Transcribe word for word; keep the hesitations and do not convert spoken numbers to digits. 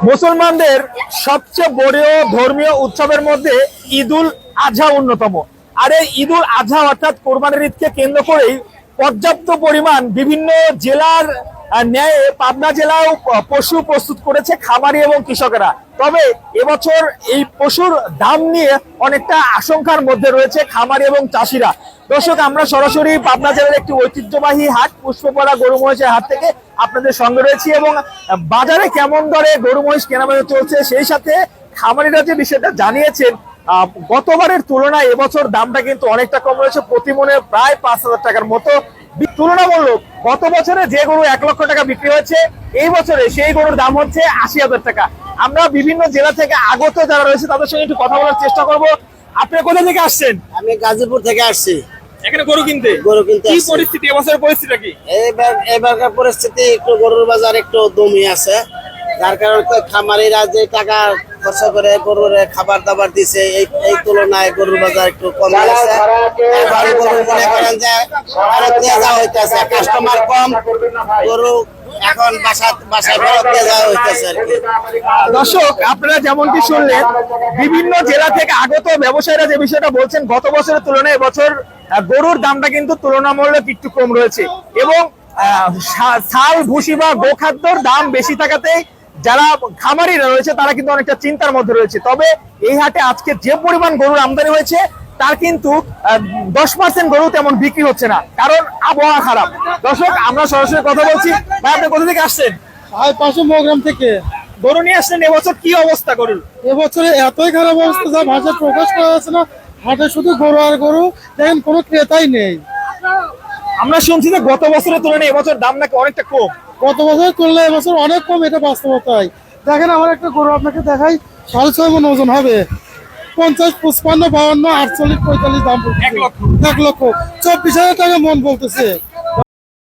মুসলমানদের সবচেয়ে বড় ধর্মীয় উৎসবের মধ্যে ঈদুল আজহা অন্যতম। আর এই ঈদুল আজহা অর্থাৎ কোরবানির ঈদকে কেন্দ্র করেই পর্যাপ্ত পরিমাণ বিভিন্ন জেলার ন্যায় পাবনা জেলাও পশু প্রস্তুত করেছে খামারি এবং কৃষকেরা। তবে এবছর এই পশুর দাম নিয়ে অনেকটা আশঙ্কার মধ্যে রয়েছে খামারি এবং চাষিরা। দর্শক, আমরা সরাসরি পাবনা জেলার একটি ঐতিহ্যবাহী হাট পুষ্পপাড়া গরু মহিষের হাট থেকে আপনাদের সঙ্গে রয়েছি এবং বাজারে কেমন দরে গরু মহিষ কেনাবেচা চলছে, সেই সাথে খামারিরা যে বিষয়টা জানিয়েছেন গতবারের তুলনায় এবছর দামটা কিন্তু অনেকটা কম রয়েছে, প্রতি মনে প্রায় পাঁচ হাজার টাকার মতো তুলনামূলক। গত বছরে যে গরু এক লক্ষ টাকা বিক্রি হয়েছে, এই বছরে সেই গরুর দাম হচ্ছে আশি হাজার টাকা। আমরা বিভিন্ন জেলা থেকে আগত যারা রয়েছে তাদের সঙ্গে একটু কথা বলার চেষ্টা করব। আপনি কোথা থেকে আসছেন? আমি গাজীপুর থেকে আসছি এখানে গরু কিনতে। গরু কিনতে কি পরিস্থিতি এবছরের পরিস্থিতিটা কি? এবার এবারকার পরিস্থিতি একটু গরুর বাজার একটু দমই আছে, যার কারণে খামারিরা যে টাকা খরচা করে গরুর খাবার দাবার দিছে এই এই তুলনায় গরুর বাজার একটু কমে আছে। এবার গরু মনে করেন যে ফেরত নিয়ে যাওয়া হইতেছে, কাস্টমার কম, গরু এখন বাসা বাসায় ফেরত নিয়ে যাওয়া হইতেছে আর কি। দর্শক, আপনারা যেমনটি শুনলেন বিভিন্ন জেলা থেকে আগত ব্যবসায়ীরা যে বিষয়টা বলছেন, গত বছরের তুলনায় এবছর গরুর দামটা কিন্তু তুলনামূলক একটু কম রয়েছে এবং ছাল ভুসি বা গোখাদ্যর দাম বেশি থাকাতে যারা খামারিরা রয়েছে তারা কিন্তু অনেকটা চিন্তার মধ্যে রয়েছে। তবে এই হাটে আজকে যে পরিমাণ গরুর আমদানি হয়েছে তার কিন্তু দশ পার্সেন্ট গরু তেমন বিক্রি হচ্ছে না, কারণ আবহাওয়া খারাপ। দর্শক, আমরা সরাসরি কথা বলছি। ভাই, আপনি কোথা থেকে আসছেন? পাশে মৌগ্রাম থেকে গরু নিয়ে আসছেন। এবছর কি অবস্থা গরুর? এবছরে এতই খারাপ অবস্থা যা ভাষা প্রকাশ করা যাচ্ছে না। হাটে শুধু গরু আর গরু, দেখেন কোনো ক্রেতাই নেই। আমরা শুনছি যে গত বছরের তুলনায় এবছর দাম নাকি অনেকটা কম। গত বছরের তুলনায় এবছর অনেক কম, এটা বাস্তবতাই। দেখেন আমার একটা গরু আপনাকে দেখাই, সাড়ে ছয় মন ওজন হবে, পঞ্চাশ পঁচপান্ন বাউন্ন আটচল্লিশ পঁয়তাল্লিশ দাম এক লক্ষ এক লক্ষ চব্বিশ হাজার টাকা মন বলতেছে।